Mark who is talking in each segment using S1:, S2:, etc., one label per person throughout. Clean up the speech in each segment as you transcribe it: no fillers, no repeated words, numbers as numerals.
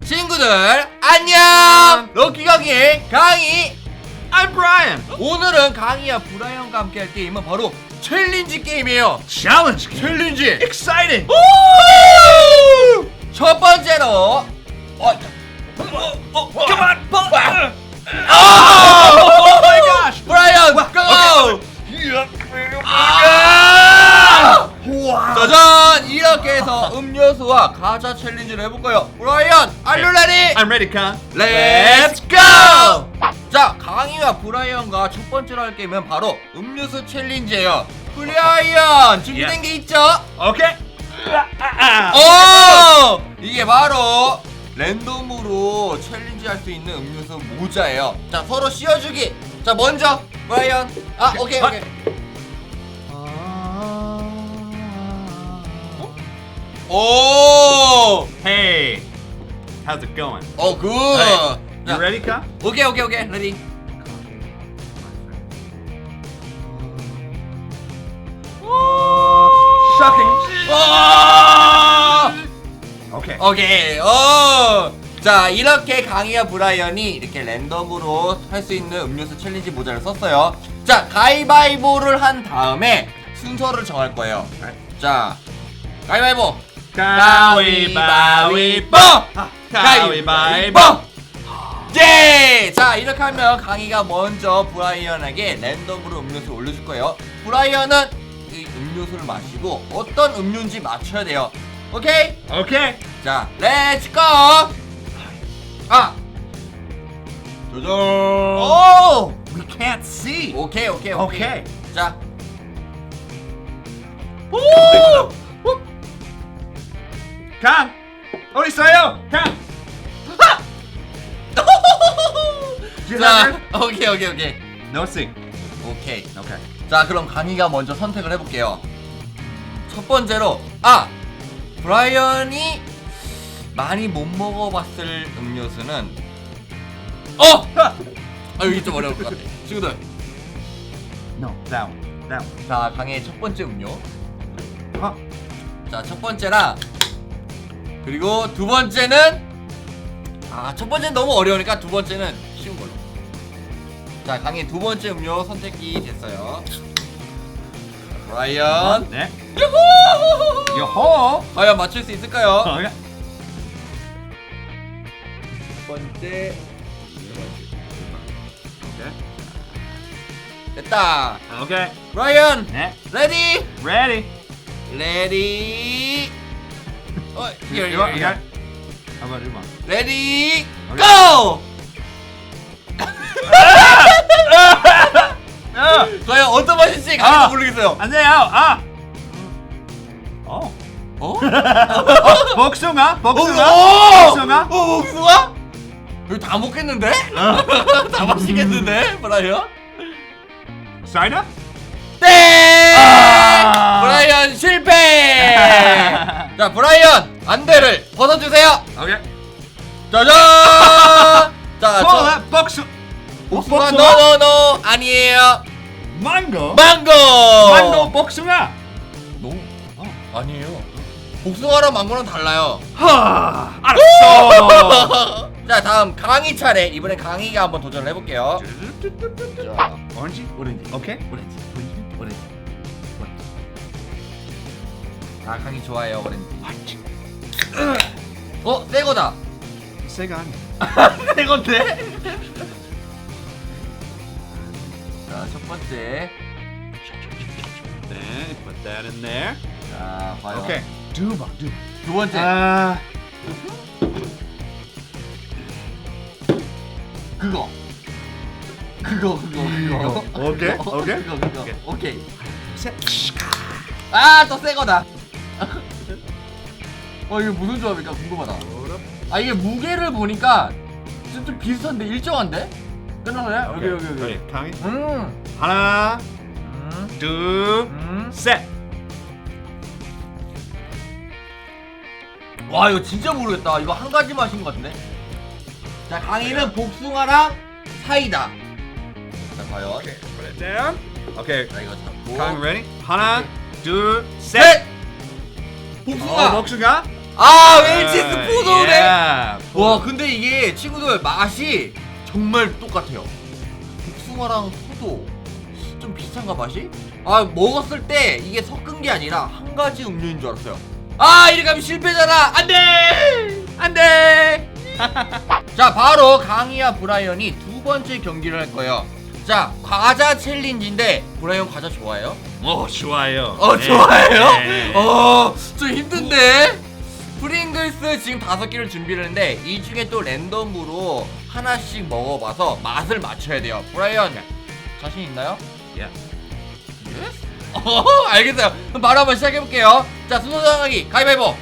S1: 친구들 안녕. 럭키 강의 강희.
S2: I'm Brian.
S1: 오늘은 강희와 브라이언과 함께 할 게임은 바로 챌린지 게임이에요.
S2: Challenge game.
S1: 챌린지.
S2: Exciting.
S1: 첫 번째로
S2: Come on.
S1: Oh
S2: my gosh.
S1: 브라이언 고!
S2: Wow.
S1: 짜잔! 이렇게 해서 음료수와 과자 챌린지를 해볼 거예요. 브라이언, are you ready?
S2: I'm ready, Khan.
S1: Let's go! 자, 강희와 브라이언과 첫 번째로 할 게임은 바로 음료수 챌린지예요. 브라이언, 준비된 게 있죠?
S2: Okay.
S1: 오! 이게 바로 랜덤으로 챌린지 할 수 있는 음료수 모자예요. 자, 서로 씌워주기. 자, 먼저 브라이언. 오케이. 오!
S2: Hey. How's it going?
S1: 굿.
S2: You ready, Khan?
S1: 오케이. 레디.
S2: Shocking.
S1: 오!
S2: Okay.
S1: 오케이. 자, 이렇게 강희와 브라이언이 이렇게 랜덤으로 할 수 있는 음료수 챌린지 모자를 썼어요. 자, 가위바위보를 한 다음에 순서를 정할 거예요. 자, 가위바위보.
S2: 가위바위보.
S1: 가위바위보. 예! 자, 이렇게 하면 강희가 먼저 브라이언에게 랜덤으로 음료수를 올려줄 거예요. 브라이언은 이 음료수를 마시고 어떤 음료인지 맞춰야 돼요. 오케이?
S2: Okay.
S1: 자, 렛츠 고! 조절.
S2: Oh, we can't see.
S1: 오케이.
S2: Okay.
S1: 자.
S2: Khan. 어디 있어요? Khan.
S1: 자, 오케이.
S2: No see.
S1: 오케이.
S2: Okay.
S1: 자, 그럼 강희가 먼저 선택을 해볼게요. 첫 번째로, 브라이언이 많이 못 먹어봤을 음료수는, 여기 좀 어려울 것 같아. 친구들.
S2: No, that one.
S1: 자, 강희의 첫 번째 음료.
S2: 어?
S1: 자, 첫 번째랑, 그리고 두 번째는, 첫 번째는 너무 어려우니까 두 번째는 쉬운 걸로. 자, 강희 두 번째 음료 선택이 됐어요. 브라이언.
S2: 네.
S1: 유후!
S2: 요호.
S1: 과연 맞출 수 있을까요?
S2: Okay.
S1: 첫 번째.
S2: Okay.
S1: 됐다.
S2: Okay.
S1: 브라이언.
S2: 네.
S1: 레디.
S2: Ready.
S1: 레디.
S2: You got it? How about this one?
S1: 레디.
S2: 오케이.
S1: 고!
S2: 아!
S1: 과연 어떤 맛일지 강희도 모르겠어요.
S2: 안 돼요. 복숭아? 복숭아?
S1: 복숭아? 이거 다 먹겠는데? 다 마시겠는데, 브라이언?
S2: 사이다?
S1: 땡! 브라이언 실패! 자, 브라이언 안대를 벗어주세요.
S2: 오케이.
S1: 짜잔! 자,
S2: 복숭아?
S1: 노 아니에요.
S2: 망고?
S1: 망고.
S2: 망고 복숭아?
S1: 노. 아니에요. 복숭아랑 망고랑 달라요.
S2: 알았어.
S1: 자, 다음 강희 차례. 이번엔 강희가 한번 도전을 해볼게요. 자,
S2: 오렌지?
S1: 오렌지.
S2: 오케이.
S1: 오렌지. 강희 좋아해요, 오렌지. 새 거다.
S2: 새가 아니야.
S1: 새 건데? 자, 첫 번째.
S2: Then put that in there.
S1: 자, 과연.
S2: Okay. 두
S1: 번째. 그거.
S2: 오케이.
S1: 그거. 오케이.
S2: 셋.
S1: 또 새 거다. 이게 무슨 조합일까 궁금하다. 이게 무게를 보니까 좀 비슷한데 일정한데? 끝났어요? 여기.
S2: 강희.
S1: 음.
S2: 하나, 둘, 셋.
S1: 와, 이거 진짜 모르겠다. 이거 한 가지 맛인 것 같은데. 자, 강희는 복숭아랑 사이다. 자, 과연.
S2: Okay, put it down. Okay.
S1: 자, 이거 잡고.
S2: Khan, ready? 하나, 둘,
S1: 셋!
S2: 셋.
S1: 복숭아.
S2: 복숭아.
S1: 아 웰치스 포도네.
S2: Yeah.
S1: 와 근데 이게 친구들 맛이 정말 똑같아요. 복숭아랑 포도 좀 비슷한가 맛이? 아 먹었을 때 이게 섞은 게 아니라 한 가지 음료인 줄 알았어요. 아 이렇게 하면 실패잖아. 안돼 안돼. 자 바로 강희와 브라이언이 두 번째 경기를 할 거예요. 자 과자 챌린지인데 브라이언 과자 좋아해요?
S2: 좋아요.
S1: 좋아해요?
S2: 네.
S1: 좀 힘든데? 프링글스 지금 5개를 준비를 했는데 이 중에 또 랜덤으로 하나씩 먹어봐서 맛을 맞춰야 돼요. 브라이언 자신 있나요?
S2: Yeah.
S1: 알겠어요. 그럼 바로 한번 시작해볼게요. 자 순서 정하기 가위바위보.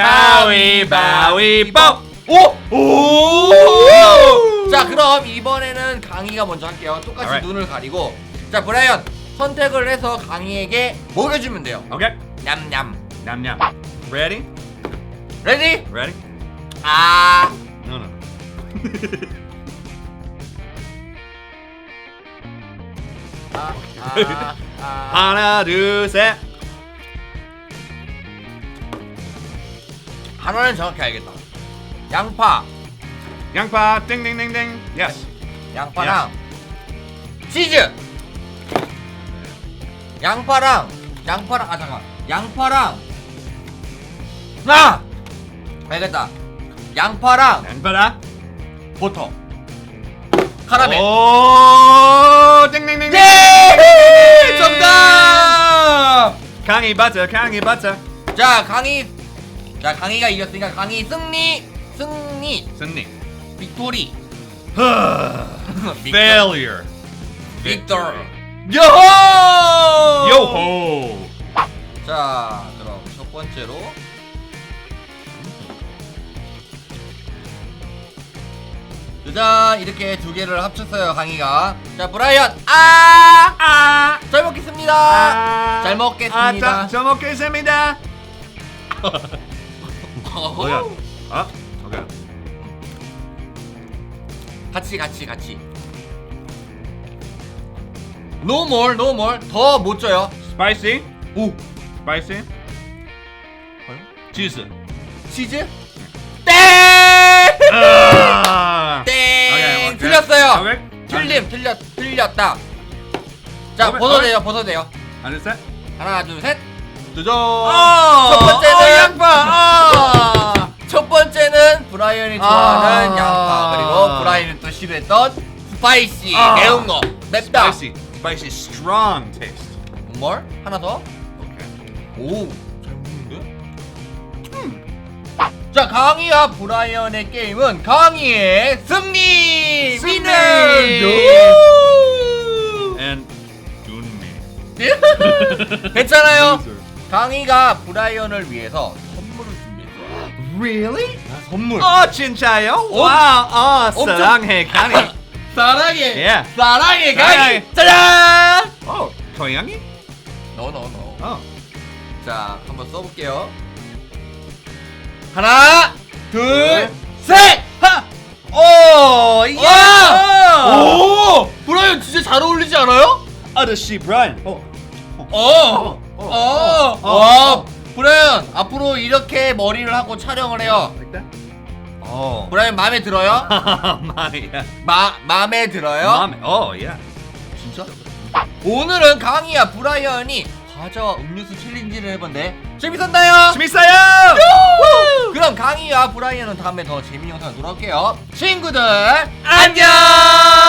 S2: 가위바위보.
S1: 오! 자 그럼 이번에는 강희가 먼저 할게요. 똑같이
S2: Alright.
S1: 눈을 가리고. 자 브라이언 선택을 해서 강희에게 먹여주면 돼요.
S2: Okay.
S1: 냠냠.
S2: Nam nam. Ready?
S1: 레디?
S2: Ready?
S1: 아.
S2: No no. 하나 둘 셋.
S1: 하나는 정확히 알겠다. 양파,
S2: 양파 땡땡땡땡. Yes.
S1: 양파랑 치즈. 양파랑 아 잠깐. 양파랑 알겠다. 양파랑
S2: 양파랑
S1: 버터. 카라멜.
S2: 오 땡땡땡.
S1: 네! 정답.
S2: 강이 버터 강이 버터.
S1: 자 강희가 이겼으니까 강희 승리.
S2: 승리.
S1: 빅토리.
S2: Failure.
S1: 빅토리. 요호!
S2: 요호.
S1: 자 그럼 첫 번째로 짜잔 이렇게 두 개를 합쳤어요 강희가. 자 브라이언 잘 먹겠습니다. 잘 먹겠습니다.
S2: 잘 먹겠습니다. 뭐야? 아, 오케이.
S1: 같이 No more 더 못 줘요.
S2: Spicy.
S1: 오
S2: Spicy. 치즈.
S1: 치즈 땡! 땡!
S2: 오케이.
S1: 틀렸어요.
S2: 오케이.
S1: 틀렸다. 자
S2: 오케이.
S1: 벗어도 돼요.
S2: 하나 둘 셋.
S1: 하나 둘 셋.
S2: 두죠.
S1: 첫 번째는
S2: 양파.
S1: 첫 번째는 브라이언이 좋아하는
S2: 아.
S1: 양파, 그리고 브라이언이 또 싫어했던 스파이시 매운 거 맵다.
S2: Spicy strong taste.
S1: 뭘? 하나 더?
S2: 오케이.
S1: 오, 잘 먹는데? 자, 강희와 브라이언의 게임은 강희의 승리!
S2: 승리!
S1: 위너!
S2: And 준미.
S1: 괜찮아요. 강희가 브라이언을 위해서 선물을 준비했어요.
S2: Really?
S1: 선물.
S2: 진짜요? 와우.
S1: 엄청-
S2: 사랑해 강이.
S1: 사랑해.
S2: Yeah.
S1: 사랑해 강희.
S2: 사랑해.
S1: 짜잔.
S2: 고양이?
S1: No.
S2: 어.
S1: 자, 한번 써볼게요. 하나, 둘, 셋.
S2: 오!
S1: 와! 오! 브라이언 진짜 잘 어울리지 않아요?
S2: 아저씨 브라이언.
S1: 와, 브라이언 앞으로 이렇게 머리를 하고 촬영을 해요.
S2: Like that?
S1: 브라이언 마음에 들어요?
S2: 마이야.
S1: 마음에 들어요?
S2: 맘에. yeah.
S1: 진짜? 오늘은 강희와 브라이언이 과자와 음료수 챌린지를 해본데 재밌었나요?
S2: 재밌어요.
S1: 그럼 강희와 브라이언은 다음에 더 재밌는 영상으로 돌아올게요. 친구들 안녕.